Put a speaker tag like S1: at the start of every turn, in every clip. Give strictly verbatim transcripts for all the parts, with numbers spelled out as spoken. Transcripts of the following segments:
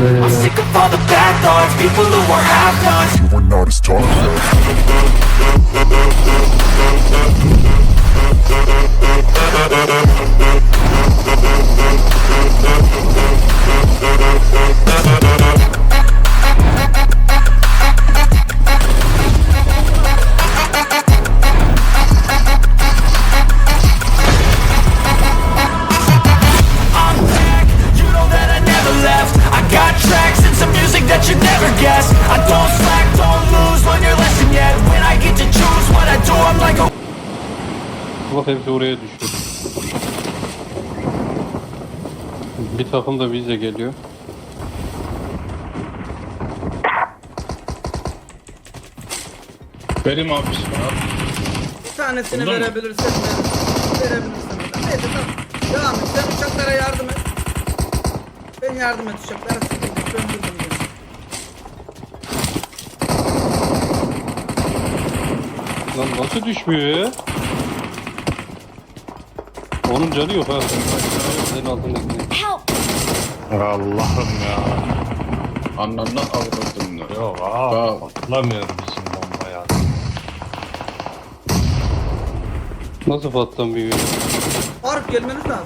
S1: I'm sick of all the bad thoughts, people who are half-nots.
S2: You were not as tall
S1: I'm back, you know that I never left. I got tracks and some music that you never guess. I don't slack, don't lose, learn your lesson yet. When I get to choose what I do, I'm like a
S3: Bak hepsi oraya düştü. Bir takım da bize geliyor.
S4: Benim abi abi.
S5: Bir tanesini
S4: Bunda mı?
S5: verebilirsen ver. Verebilirsin. Neyse tamam. Devam et. Sen uçaklara yardım et. Ben yardım et uçaklara. Söndürdüm beni.
S3: Lan nasıl düşmüyor ya? Onun canı yok ha. Senin altındakini.
S6: Allah'ım ya.
S4: Anlamına avradım da.
S6: Yok abi
S4: Bak.
S6: patlamıyor bizim bomba ya.
S3: Nasıl patlamıyor?
S5: Faruk gelmeniz lazım.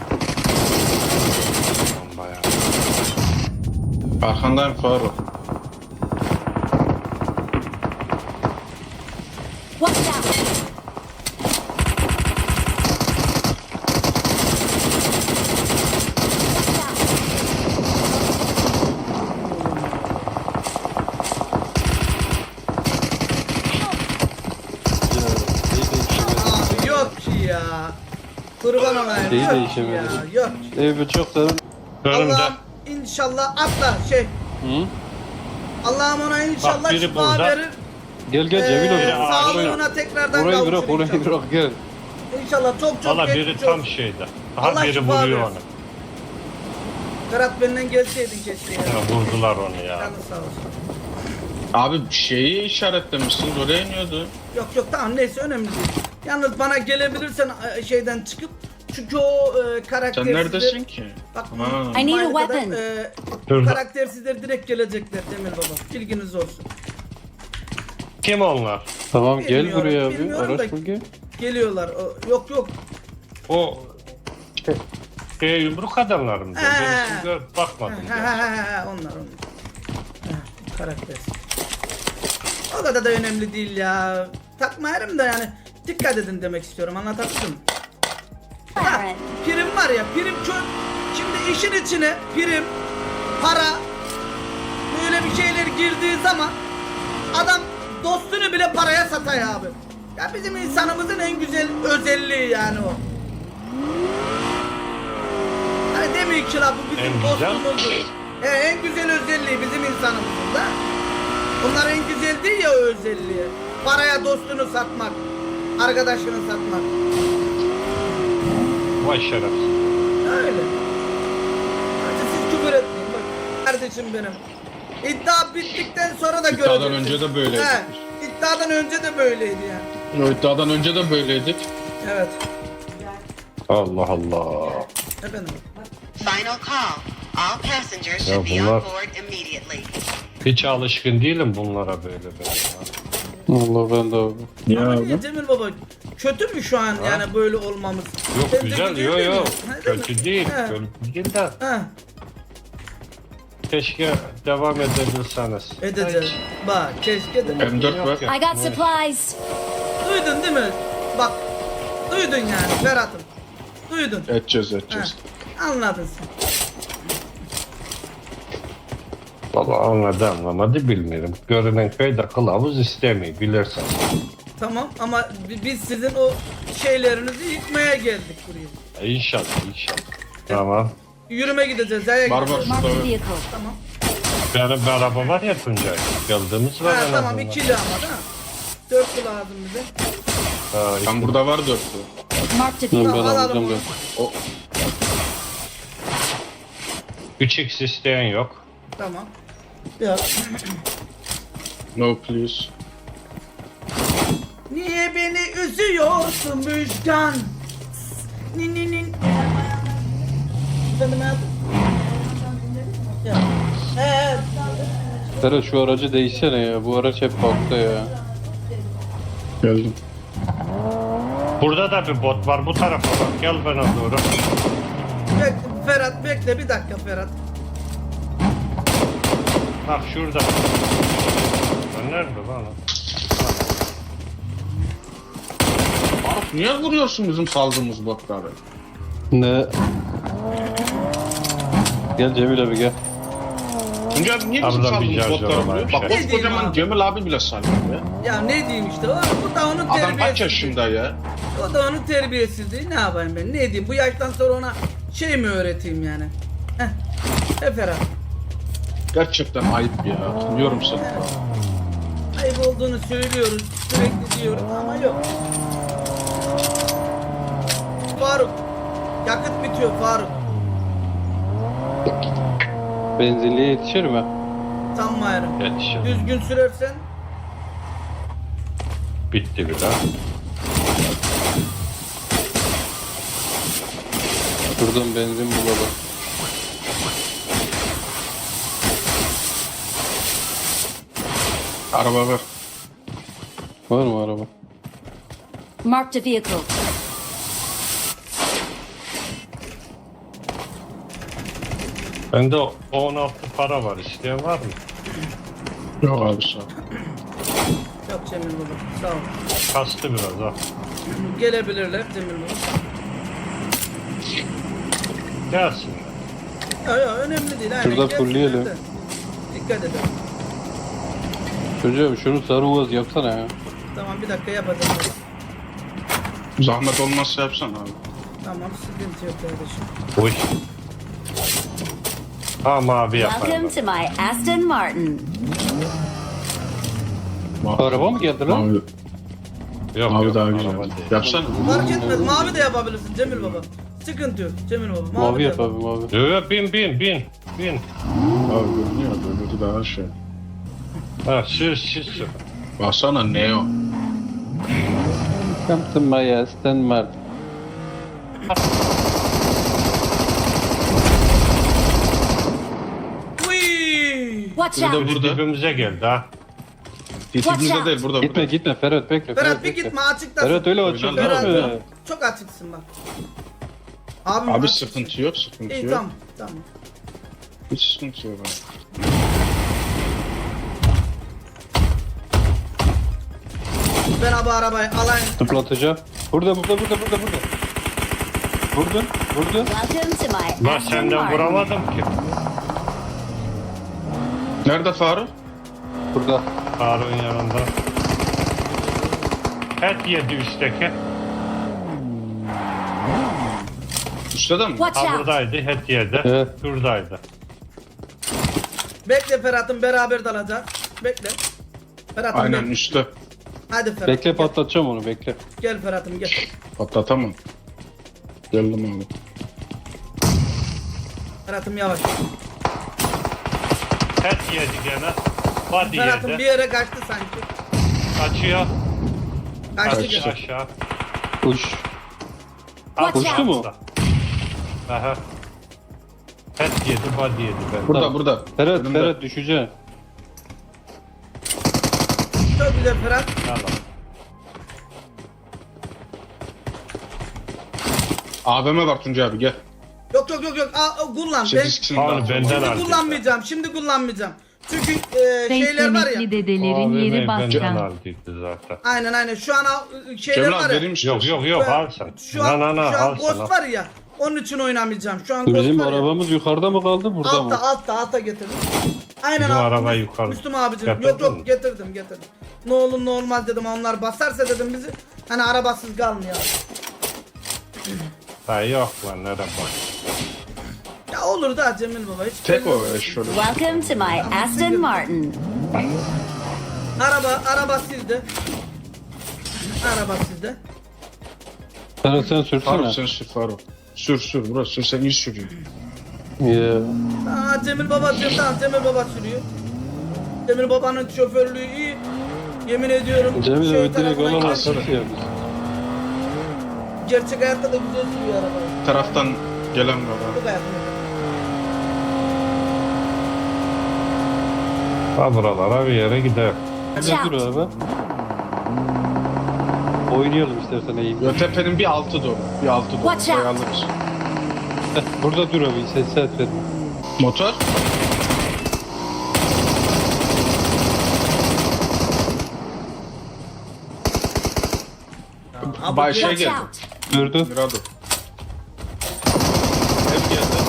S6: Bomba ya.
S4: Arkandayım Faruk.
S7: Watch out!
S5: Abi yok ki ya. Kurban olayım.
S3: Şeyi
S5: Yok ki
S3: değişemedi.
S5: ya. Yok ki.
S3: Ey bu çok da.
S6: Önümde.
S5: Allah'ım inşallah atla şey.
S3: Hı?
S5: Allah'ım ona inşallah
S6: Bak, biri
S5: şifa
S6: burada.
S5: verir.
S3: Gel gel Cemil
S5: Ee,
S3: hocam.
S5: sağlığına tekrardan
S3: Orayı
S5: kavuşur
S3: bırak orayı
S5: inşallah.
S3: bırak gel.
S5: İnşallah çok çok
S6: Valla
S5: geçmiş
S6: biri
S5: olsun.
S6: tam şeyde. Aha
S5: Allah
S6: biri
S5: şifa
S6: vuruyor
S5: versin.
S6: onu.
S5: Berat benden gelseydin keşke ya.
S6: Ya vurdular onu ya.
S5: Canı sağ olsun.
S4: Abi şeyi işaretlemişsiniz oraya iniyordu.
S5: Yok yok tamam neyse önemli değil. Yalnız bana gelebilirsen e, şeyden çıkıp çünkü o e, karakter
S4: Sen neredesin ki?
S5: Bak
S4: Ha.
S7: I need a
S5: Minecraft'ta,
S7: weapon.
S5: e,
S6: Şurada.
S5: karaktersizler direkt gelecekler Demir Baba. Bilginiz olsun.
S6: Kim onlar?
S3: Tamam gel
S5: Bilmiyorum,
S3: buraya abi.
S5: bilmiyorum
S3: Araç
S5: da-
S3: bul gel.
S5: Geliyorlar. O, yok yok.
S6: O şey yumruk adamlar mı?
S5: He.
S6: Ben hiç gör- bakmadım.
S5: Ha, ha, ha, ha, onlar onlar. Ha, karaktersiz. O kadar da önemli değil ya. Takmayarım da yani dikkat edin demek istiyorum. Anlatabildim mi? Ha,
S7: Alright.
S5: prim var ya, prim çok. Şimdi işin içine prim, para, böyle bir şeyler girdiği zaman adam dostunu bile paraya satay abi. Ya bizim insanımızın en güzel özelliği yani o. Hani demiyor ki la bu bizim
S6: En güzel.
S5: dostumuzdur. E, en güzel özelliği bizim insanımızın da. Bunlar en güzel değil ya o özelliği. Paraya dostunu satmak, arkadaşını satmak.
S6: Vay şerefsiz.
S5: Öyle. Hadi siz küfür etmeyin bak. Kardeşim benim. İddia bittikten sonra da
S4: İddiadan
S5: göreceksiniz.
S4: önce de böyleydik.
S5: He, iddiadan önce de böyleydi yani.
S4: O iddiadan önce de böyleydik.
S5: Evet.
S6: Allah Allah.
S5: Efendim.
S8: Final call. All passengers
S6: Ya
S8: should be
S6: bunlar-
S8: on board immediately.
S6: Hiç alışkın değilim bunlara böyle böyle. ya.
S3: Allah ben de abi.
S5: Ama niye Cemil Baba? Kötü mü şu an yani böyle olmamız?
S6: Yok
S5: Sence
S6: güzel,
S5: güzel
S6: yok
S5: değil mi?
S6: yok.
S5: Ha, değil mi?
S6: Kötü değil,
S5: He,
S6: kötü değil de
S5: he.
S6: keşke devam edebilseniz.
S5: Edeceğiz. Bak keşke de.
S4: M dört var.
S7: I got supplies.
S5: Duydun değil mi? Bak. Duydun yani Ferhat'ım. Duydun.
S4: Edeceğiz
S5: He.
S4: edeceğiz.
S5: Anladın sen.
S6: Valla anladı anlamadı bilmiyorum. Görünen köyde kılavuz istemiyor bilirsen.
S5: Tamam ama bi- biz sizin o şeylerinizi yıkmaya geldik buraya.
S6: E, İnşallah inşallah. Tamam.
S5: Yürüme gideceğiz. Aya
S4: Var
S5: gideceğiz.
S4: var
S7: Marked a
S4: şurada.
S7: vehicle.
S5: Tamam.
S6: Benim bir araba var ya Tuncay. Geldiğimiz var
S5: Ha,
S6: en
S5: tamam
S6: azından.
S5: ikili ama değil mi? Dörtlü lazım bize.
S6: Ha,
S4: Ben burada var dörtlü.
S7: Marked a
S3: Ben,
S7: vehicle.
S3: ben
S5: Alalım
S3: alacağım
S5: onu.
S3: gel.
S4: O
S6: üç x isteyen yok.
S5: Tamam. Ya.
S4: no please.
S5: Niye beni üzüyorsun Müjgan? Nin nin nin. Efendim hayatım? Ya. He,
S3: Ferhat şu aracı değişsene ya. Bu araç hep bakta ya.
S4: Geldim.
S6: Burada da bir bot var bu tarafa bak. Gel bana doğru.
S5: Bekle Ferhat, bekle bir dakika Ferhat.
S6: Bak şurada. Lan nerede lan?
S4: Faruk niye vuruyorsun bizim saldığımız botları?
S3: Ne? Gel Cemil abi gel.
S4: Tunca abi niye bizim
S6: Abla bir
S4: saldığımız
S6: şarjör
S4: botları
S6: var,
S4: vuruyor?
S6: bir
S4: Bak
S5: şey. Ne diyeyim
S4: koskocaman
S5: abi?
S4: Cemil abi bile sallıyor ya.
S5: Ya ne diyeyim işte, o, bu da onun
S4: Adam kaç
S5: terbiyesizliği.
S4: yaşında ya?
S5: O da onun terbiyesizliği. Ne yapayım ben? Ne diyeyim? Bu yaştan sonra ona şey mi öğreteyim yani? Heh. E Ferhat.
S4: Gerçekten ayıp ya. Tanıyorum seni.
S5: Ayıp olduğunu söylüyoruz. Sürekli diyoruz ama yok. Faruk. Yakıt bitiyor Faruk.
S3: Benzinliğe yetişir mi?
S5: Sanmıyorum.
S6: Yetişin.
S5: Düzgün sürersen
S6: Bitti bile.
S3: Şuradan benzin bulalım.
S4: Araba ver.
S3: Var mı araba?
S7: Marked a vehicle.
S6: Bende on altı para var. İsteyen var mı?
S4: Yok abi sağ ol.
S5: yok Cemil Baba. Sağ ol.
S6: Kastı biraz ha.
S5: Gelebilirler Cemil Baba.
S6: Gelsin.
S5: Yok yok önemli değil. Aynen.
S3: Şurada
S5: Gelsinler
S3: fullleyelim.
S5: de. Dikkat edin.
S3: Çocuğum şunu sarı uvaz yapsana ya.
S5: Tamam bir dakika yapacağım.
S4: Zahmet olmazsa yapsan abi.
S5: Tamam sıkıntı yok kardeşim.
S6: Uy. Ha mavi
S7: Welcome
S6: yaparım.
S7: to my Aston Martin.
S3: Araba mı geldi lan?
S4: Mavi,
S6: Yok
S4: mavi
S6: yok.
S4: daha
S6: araba
S4: güzel.
S6: değil.
S4: Yapsana.
S5: Fark etmez. Mavi de yapabilirsin Cemil Baba. Sıkıntı yok Cemil Baba. Mavi,
S3: Mavi
S5: de
S3: yap
S5: yap.
S3: abi mavi.
S6: Yok yok bin bin bin. Bin.
S4: Abi görünüyor. Öbürü daha şey.
S6: Ha sür sür sür.
S4: Baksana Neo.
S3: Come to my Aston Martin.
S5: Uy!
S7: Watch
S3: Burada
S7: out!
S6: Biz
S4: Burada.
S6: dibimize geldi ha.
S4: Dibimizde değil burada.
S3: Gitme
S4: burada.
S3: gitme Ferhat bekle.
S5: Ferhat bir
S3: bekle.
S5: gitme açıktasın.
S3: Ferhat öyle açık
S4: Ferhat,
S3: değil mi?
S5: Ferhat, çok açıksın bak. Abim
S4: Abi
S5: açıksın.
S4: sıkıntı yok sıkıntı
S5: İyi
S4: yok.
S5: tamam tamam.
S4: Hiç sıkıntı yok abi.
S5: Ben abi arabayı alayım.
S3: Zıplatacağım. Burada burada burada burada burada. Vurdun vurdun.
S7: Welcome to my
S6: Lan
S7: Aston
S6: senden
S7: Martin.
S6: vuramadım ki.
S4: Nerede Faruk?
S3: Burada.
S6: Faruk'un yanında. Et yedi üstteki.
S4: Üstte de mi?
S7: Watch
S6: Ha
S7: out!
S6: buradaydı, et yedi.
S3: Evet.
S6: Şuradaydı.
S5: Bekle Ferhat'ım beraber dalacak. Bekle. Ferhat'ım
S4: Aynen
S5: bekle.
S4: üstte.
S5: Hadi Ferhat.
S3: Bekle
S5: gel.
S3: patlatacağım onu bekle.
S5: Gel Ferhat'ım gel.
S4: Patlatamam. Geldim abi.
S5: Ferhat'ım yavaş.
S6: Et yedi gene. Body
S5: Ferhat'ım bir
S6: yedi.
S5: yere kaçtı sanki.
S6: Kaçıyor.
S5: Kaçtı
S6: Kaçtı
S5: gene.
S6: aşağı.
S3: Uç.
S7: Watch
S3: Uçtu mu?
S6: Aha. Et yedi, body yedi ben.
S4: Burada
S3: Tamam.
S4: burada.
S3: Ferhat
S4: Önümde.
S3: Ferhat düşeceksin.
S5: Çok güzel Ferhat.
S6: Tamam.
S4: A V M var Tunca abi gel.
S5: Yok yok yok yok. Aa, o, kullan. Ben,
S4: sekiz kişinin
S6: Abi
S4: daha.
S6: benden
S5: şimdi
S6: al.
S5: kullanmayacağım. Şimdi kullanmayacağım. Çünkü e, şeyler var ya.
S2: Renkli dedelerin
S6: Abi
S2: yeri
S6: benden
S2: başkan.
S6: aldıydı zaten.
S5: Aynen aynen. Şu an al- şeyler
S4: Cemil
S5: var
S4: abi
S5: ya.
S4: vereyim
S6: Yok
S4: istiyorsan.
S6: yok yok
S5: Şu an-
S6: al sen.
S5: Şu an,
S6: Na na na
S5: şu an
S6: al
S5: Ghost
S6: sen.
S5: var ya. Onun için oynamayacağım. Şu an Ghost
S3: Bizim
S5: var ya.
S3: arabamız yukarıda mı kaldı burada
S5: Altta
S3: mı?
S5: altta altta getirdim. Aynen
S6: Bizim
S5: altta.
S6: arabayı yukarı-
S5: Müslüm abicim.
S6: Getirdin
S5: Yok yok
S6: mi?
S5: getirdim getirdim. Ne olur ne olmaz dedim, onlar basarsa dedim bizi. Hani arabasız kalmayalım.
S6: Ha yok lan nereden bak.
S5: Ya olur da Cemil baba hiç.
S4: Tek
S5: belli
S4: o
S5: olmaz.
S4: e, şöyle.
S7: Welcome to my Aston Martin.
S5: Araba araba sizde. Araba sizde.
S3: Ferhat sen sürsene.
S4: Faruk sen sür Faruk. Sür sür burası sür sen iyi sürüyorsun.
S3: Ya.
S5: Aa Cemil baba tamam Cemil baba sürüyor. Cemil babanın şoförlüğü iyi. Yemin ediyorum.
S3: Cemil
S5: şey
S3: abi direkt
S5: tarafına
S3: olan
S5: gidiyor.
S3: asıl ya biz.
S5: Gerçek hayatta da güzel sürüyor arabayı.
S4: Taraftan gelen var abi.
S5: Çok hayatımda.
S6: Ha buralara bir yere gider.
S7: Watch
S3: Dur
S7: out!
S3: abi. Oynayalım istersen eğim.
S4: Yo, tepenin bir altı doğru. Bir altı doğru.
S7: Watch out.
S4: Orayı alırız.
S3: Heh, burada dur abi ses ses verme.
S4: Motor.
S5: Abi,
S4: Bay şey
S7: Watch
S4: geldi.
S7: out!
S3: Durdu.
S4: Mirado. Ev geldi.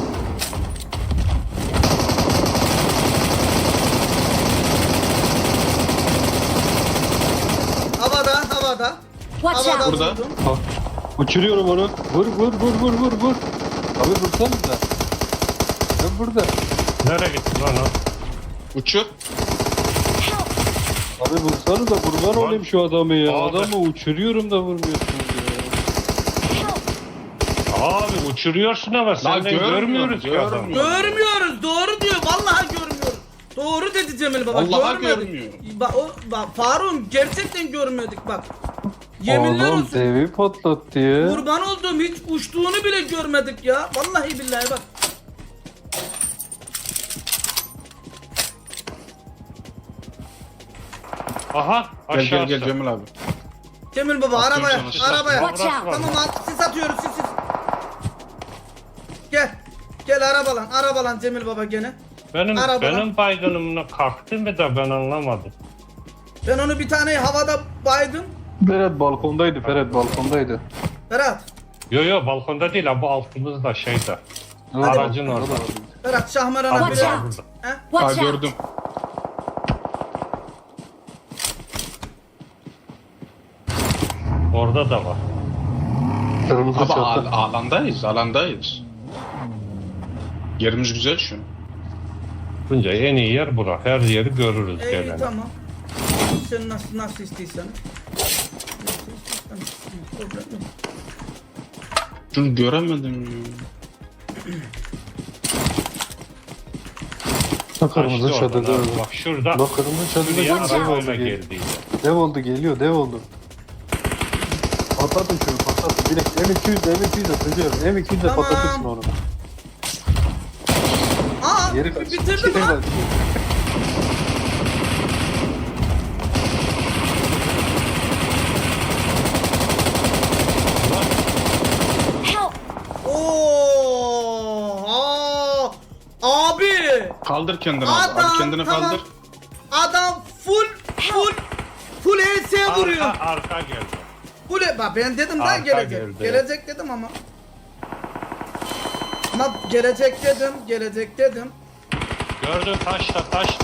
S5: Havada, havada.
S7: Watch
S5: Havada
S7: out!
S4: Burada.
S5: vurdum.
S3: Ha, uçuruyorum onu. Vur vur vur vur vur vur. Abi vursanıza. Ben burada.
S6: Nereye gitti lan o?
S4: Uçur.
S3: Abi vursanıza kurban olayım şu adamı ya.
S6: Abi.
S3: Adamı uçuruyorum da vurmuyorsunuz ya.
S6: Abi uçuruyorsun ama senden
S4: görmüyorum,
S6: görmüyoruz ki adamı.
S4: görmüyorum.
S5: Görmüyoruz. Doğru diyor. Vallahi görmüyoruz. Doğru dedi Cemil baba.
S4: Vallahi
S5: görmedik.
S4: görmüyor.
S5: Bak o bak Faruk'um gerçekten görmedik bak. Yeminler
S3: Oğlum
S5: olsun.
S3: devi patlattı ya.
S5: Kurban olduğum hiç uçtuğunu bile görmedik ya. Vallahi billahi bak.
S6: Aha
S4: Gel gel
S6: aşağısı.
S4: gel Cemil abi.
S5: Cemil baba
S4: Atıyorum
S5: arabaya.
S4: sana.
S5: Arabaya.
S7: Watch out.
S5: Tamam at, sis atıyoruz sis sis. Gel. Gel arabalan. Arabalan Cemil baba gene.
S6: Benim,
S5: Arabada.
S6: benim baygınımla kalktı mı da ben anlamadım.
S5: Ben onu bir tane havada baydım.
S3: Ferhat balkondaydı. Ferhat balkondaydı.
S5: Berat.
S6: Yo yo balkonda değil ha bu altımızda şeyde.
S3: Orada,
S6: Aracın
S3: orada
S6: orada.
S3: var.
S5: Berat Şahmeran'a
S6: Abi
S5: bir
S7: Watch
S6: var
S7: out.
S6: burada.
S5: He?
S4: Ha
S7: Watch out!
S4: gördüm.
S6: Orada da var.
S3: Kırmızı
S4: Abi
S3: çatı.
S4: al- alandayız, alandayız. Yerimiz güzel şu an.
S6: Bunca en iyi yer bura. Her yeri görürüz
S5: İyi
S6: gelen.
S5: tamam. Sen nasıl nasıl istiyorsan. Nasıl istiyorsan. Problem yok.
S4: Şunu göremedim ya.
S3: Bak kırmızı
S6: Kaçtı oradan
S3: çatıda.
S6: abi. Bak şurada.
S3: Bak kırmızı çatıda
S6: Şuraya
S3: dev
S6: araba
S3: oldu.
S6: öyle
S3: Gel.
S6: geldi.
S3: Dev oldu geliyor dev oldu. Patlatın şunu patlatın. Direkt M iki yüz M iki yüz atıyorum. M iki yüz
S5: Tamam.
S3: patlatırsın onu.
S5: Aa
S3: Geri kaç.
S5: bitirdim
S3: Geri
S5: ha.
S3: kaç.
S7: Help!
S5: Oo! Aa! Abi!
S4: Kaldır kendini abi.
S5: Adam
S4: Abi kendini
S5: tamam.
S4: kaldır.
S5: Adam full full full E S vuruyor.
S6: Arka, arka geldi.
S5: Full E- bak ben dedim lan
S6: Arka
S5: gelecek.
S6: geldi.
S5: Gelecek dedim ama. Ama gelecek dedim, gelecek dedim.
S6: Gördün taşta taşta.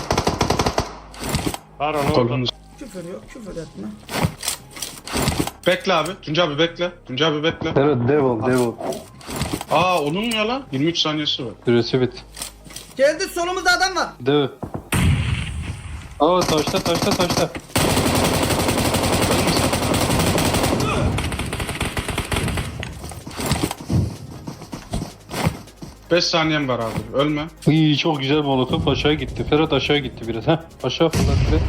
S6: Var onu orada.
S4: Kolumuz.
S5: Küfür yok, küfür etme.
S4: Bekle abi. Tuncay abi bekle. Tuncay abi bekle.
S3: Evet dev ol dev ol.
S4: Aa onun ya lan. yirmi üç saniyesi var.
S3: Süresi bit.
S5: Geldi solumuzda adam var.
S3: Dev. Aa taşta taşta taşta.
S4: beş saniyem var abi. Ölme.
S3: İyi çok güzel molotof aşağı gitti. Ferhat aşağı gitti biraz. Heh aşağı fırlat biraz.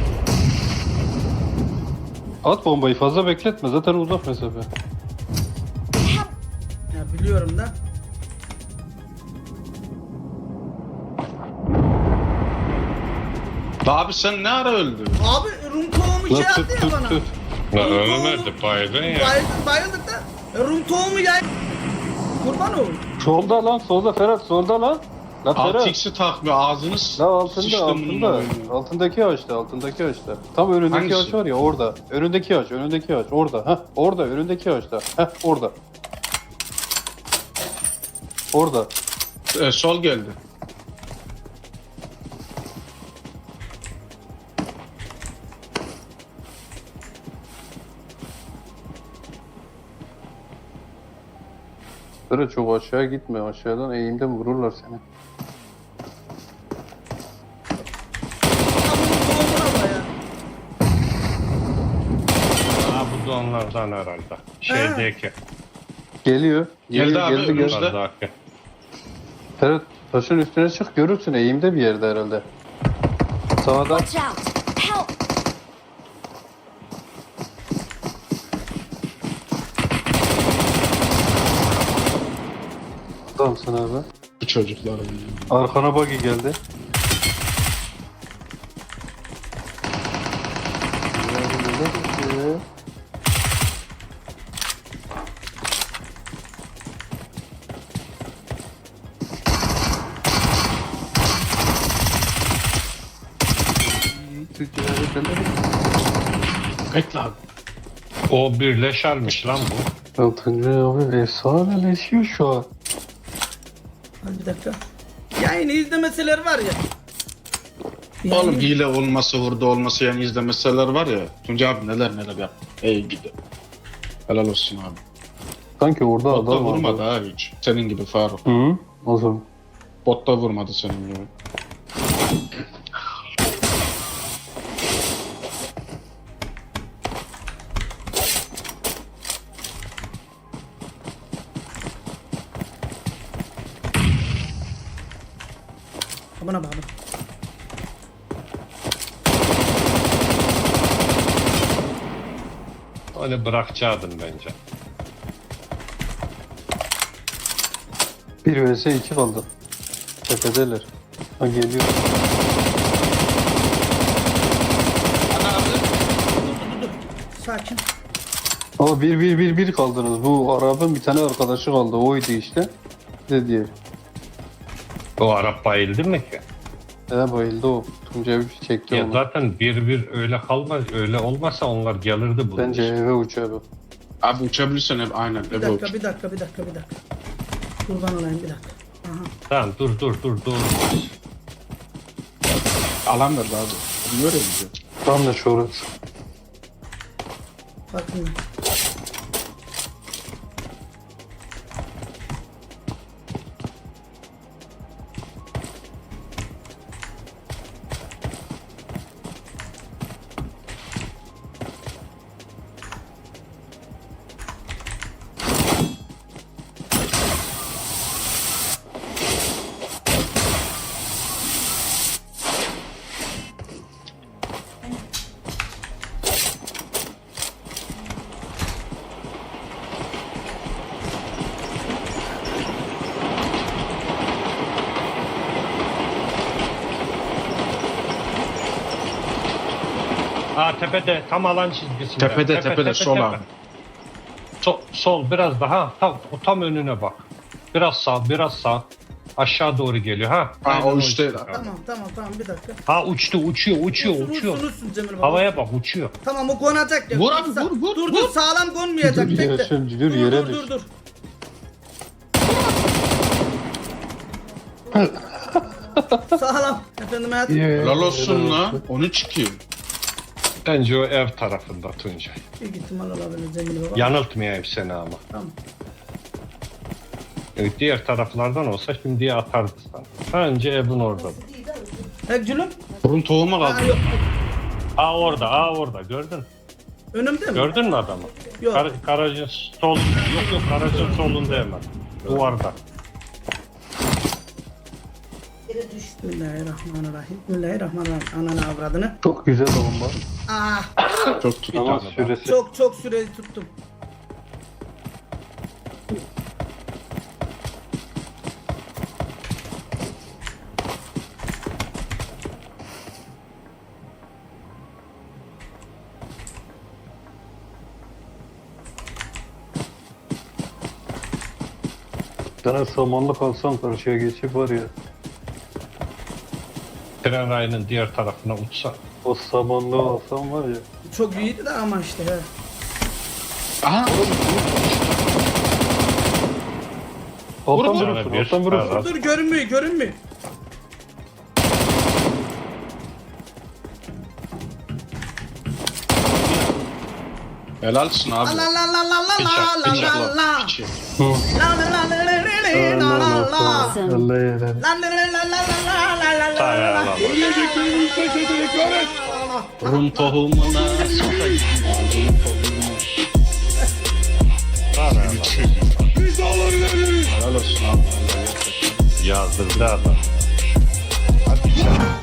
S3: At bombayı fazla bekletme zaten uzak mesafe.
S5: Ya biliyorum da.
S4: Da abi sen ne ara öldün?
S5: Abi Rum tohumu şey
S3: Lan
S5: yaptı
S3: tut
S5: ya
S3: tut
S5: bana.
S3: tut.
S6: Ya ölmedi baygın ya.
S5: Bayıldık, bayıldık da. E, Rum tohumu yay. Kurban ol.
S3: Solda lan solda Ferhat solda lan. Lan
S4: altı
S3: Ferhat.
S4: x'i takmıyor. Ağzını s-
S3: La altında
S4: sıçtım bunun
S3: altında.
S4: oyunu.
S3: Altındaki ağaçta altındaki ağaçta. Tam önündeki
S4: Hangisi?
S3: ağaç var ya orada. Önündeki ağaç önündeki ağaç orada. Heh orada önündeki ağaçta. Heh orada. Orada.
S4: Ee, sol geldi.
S3: Ferhat çok aşağı gitme aşağıdan eğimden vururlar seni.
S5: Ya bunun tohumuna baya.
S6: Ha bu da onlardan herhalde. Şeydeki.
S3: Geliyor.
S4: Geldi
S3: Geliyor,
S4: abi,
S3: geldi,
S4: önümüzde.
S3: geldi.
S6: Yukarıdaki.
S3: Ferhat taşın üstüne çık görürsün eğimde bir yerde herhalde. Sağda.
S7: Watch out! Help!
S3: Adamsın abi.
S4: Bu çocuklar.
S3: Arkana buggy geldi.
S4: Bekle abi.
S6: O birleşermiş lan bu.
S3: Ya Tuncay abi efsaneleşiyor şu an.
S5: Hadi bir dakika. Yayını izlemeseler var ya.
S4: Oğlum hile olması, hurda olması yani izlemeseler var ya. Tuncay abi neler neler yap. Ey gidi. Helal olsun abi.
S3: Sanki orada
S4: Botta
S3: adam
S4: vurmadı
S3: var.
S4: abi hiç. Senin gibi Faruk.
S3: Hı? O zaman.
S4: Botta vurmadı senin gibi.
S5: Aman abi abi.
S6: Onu bırakacaktım bence.
S3: bir vs iki kaldı. Tepedeler. Ha geliyor.
S5: Sakin.
S3: Ama bir bir bir bir kaldınız. Bu Arap'ın bir tane arkadaşı kaldı. Oydu işte. Ne diye.
S6: O Arap bayıldı mı ki?
S3: He bayıldı o. Tuncay bir çekti
S6: Ya
S3: onu.
S6: zaten bir bir öyle kalmaz. Öyle olmasa onlar gelirdi bunun
S3: Bence
S6: için.
S3: eve uçuyor.
S4: Abi uçabilirsen hep aynen.
S5: Bir
S4: Ebe
S5: dakika
S4: uç.
S5: bir dakika bir dakika bir dakika. Kurban olayım bir dakika. Aha.
S6: Tamam dur dur dur dur.
S4: Alan verdi abi. Biliyor ya bizi.
S3: Tam da şurası.
S5: Bakın.
S6: Aa tepede tam alan çizgisinde.
S4: Tepede, tepede, sol abi.
S6: Sol, sol biraz daha tam o tam önüne bak. Biraz sağ biraz sağ. Aşağı doğru geliyor ha.
S4: Ha,
S6: Aynen
S4: o işte.
S6: işte.
S5: Tamam tamam tamam bir dakika.
S6: Ha uçtu uçuyor uçuyor
S5: Uçsun,
S6: uçuyor.
S5: uçsun, uçsun Cemil baba.
S6: Havaya bak uçuyor.
S5: Tamam o konacak ya.
S4: Vur
S5: Dur,
S4: abi,
S5: sa-
S4: vur, vur,
S5: Dur
S4: vur.
S5: dur sağlam konmayacak.
S3: Dur,
S5: Bekle.
S3: Yaşar, dur, yere
S5: dur
S3: düş.
S5: dur dur. Sağlam. Efendim hayatım.
S4: Helal olsun la. on üç iki.
S6: Bence o ev tarafında Tuncay.
S5: Büyük ihtimal olabilir Cemil baba.
S6: Yanıltmayayım seni ama.
S5: Tamam.
S6: Evet, diğer taraflardan olsa şimdiye atardı sana. Önce evin orada.
S5: He gülüm.
S4: Burun tohuma
S5: Ha,
S4: kaldı.
S5: yok.
S6: Aa orada, aa orada gördün.
S5: Önümde mi?
S6: Gördün mü adamı?
S5: Yok.
S6: Gar garajın sol, yok yok garajın solunda hemen. Duvarda.
S5: Bismillahirrahmanirrahim. Bismillahirrahmanirrahim. Ananı avradını.
S3: Çok güzel bomba.
S5: Ah,
S4: Çok tuttu.
S3: Ama
S6: tane daha.
S3: süresi.
S5: çok çok süreyi tuttum.
S3: Sana samanlık alsam karşıya geçip var ya.
S6: Tren rayının diğer tarafına uçsa.
S3: O samanlığı alsam var ya.
S5: Çok iyiydi de ama işte he.
S4: Aha.
S3: Alttan
S4: vur.
S3: vurursun,
S6: Bir,
S3: alttan vurursun.
S6: evet.
S5: Dur görünmüyor görünmüyor.
S4: Helalsin abi.
S5: La la la la la la
S6: Bıçak,
S5: la
S6: bıçak.
S5: la la.
S4: Piçi.
S5: La la la la la la la la la.
S3: Allah helal.
S5: La la la la la la la la la
S6: Sağ
S5: la.
S6: ayağına bak.
S4: Rum tohumuna sokayım.
S6: Sağ ayağına bak.
S4: Helal olsun abi.
S6: Yazdırdı adam. Hadi sen.